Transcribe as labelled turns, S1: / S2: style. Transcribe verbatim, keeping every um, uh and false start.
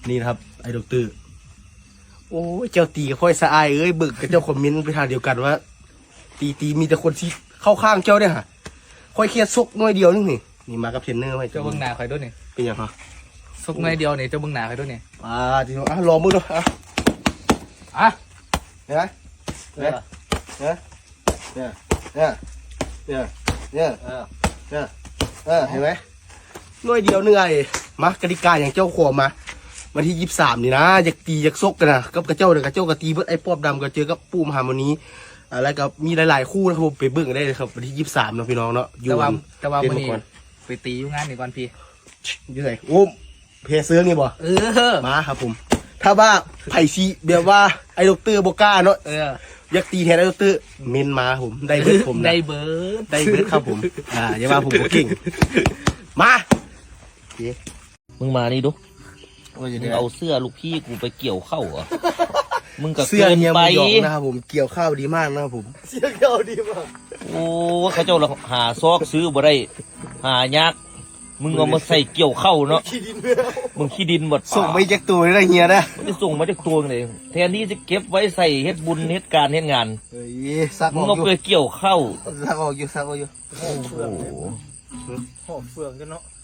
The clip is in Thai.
S1: นี่นะครับไอ้ดอกเตอร์โอ้ยเจ้าตีค่อยสะอายเอ้ยเบิกกับเจ้าคอมเมนต์ไปทางเดียวกันว่าตีตีมีแต่คนที่เข้าข้างเจ้าเนี่ยฮะค่อยเครียดซกน้อยเดียวนึงนี่นี่มากับเทรนเนอร์ไว้
S2: เจ้าเบิ้งหนาใครด้วยนี่
S1: เป็นยังไง
S2: ซุกน้อยเดียวนี่เจ้าเบิ้งหนาใครด้วยนี่
S1: อ่าทีนี้อ่ะลองมือดูอ่ะ
S2: อ่ะ
S1: เห็นไหมเนี่ยเนี่ยเนี่ยเนี่ยเนี่ยเนี่ย
S2: เออ
S1: เนี่ยเออเห็นไหมน้อยเดียวเหนื่อยมากติกาอย่างเจ้าขวมาวันที่ยี่สิบสามนี่นะอยากตีอยากซกกันนะกับกระเจ้าเดี๋ยวกระเจ้ากระตีเบิดไอ้ปอบดำก็เจอกับปูมหาวันนี้อะไรกับมีหลายๆคู่นะครับผมไปเบิ่งได้เลยครับวันที่ยี่สิบสามเนาะพี่น้องเนาะอยู่
S2: แต่ว่าแต่ว่า
S1: เรีย
S2: วันนี้
S1: ก่อน
S2: ไปตีอยู่งานนี่ก่อนพี่
S1: อยู่ไหนโอ้เพเสื้อนี่บ่
S2: เออ
S1: มาครับผม ถ้าว่าไผ่ซีแบบว่าไอ้ดอกเตอร์โบก้าเนาะ
S2: เออ
S1: อยากตีแทนไอ้ดอกเตอร์เมนมาผมได้เบิดผมนะ
S2: ได้เบิร์ด
S1: ได้เบิดครับผมอ่าอย่าว่าผมบ่เก่งมาโอเค
S3: มึงมานี่ดู
S1: โอ้ย
S3: มึงเอาเสื้อลูกพี่กูไปเกี่ยวเข้าเหรอ มึงกับ
S1: เสื้อ
S3: เกิน
S1: เฮีย
S3: ไป
S1: หมูหยองนะครับผมเกี่ยวข้าวดีมากนะครับผมเสื้อเกี่ยวดีมาก
S3: โอ้เขาเจ้าเราหาซอกซื้อบ่ได้ หายาก มึงเอามาใส่เกี่ยวเข้าเนาะ
S1: ขี้ดินเนื้อ
S3: มึงขี้ดินหมด
S1: ส่งไปแจ็คตัวเลยนะเฮียนะ
S3: ไม่ได้ส่งมาจากตัวเลยแทนที่จะเก็บไว้ใส่เฮ็ดบุญเฮ็ดการเฮ็ดงาน
S1: เฮ้ยซัก
S3: มึ
S1: อง อก
S3: เอา
S1: อยู่
S3: ไปเกี่ยวเข้า
S1: ซักออกอยู่ซักออกอยู่
S3: โอ้โห
S2: หอมเฟืองกันเนาะ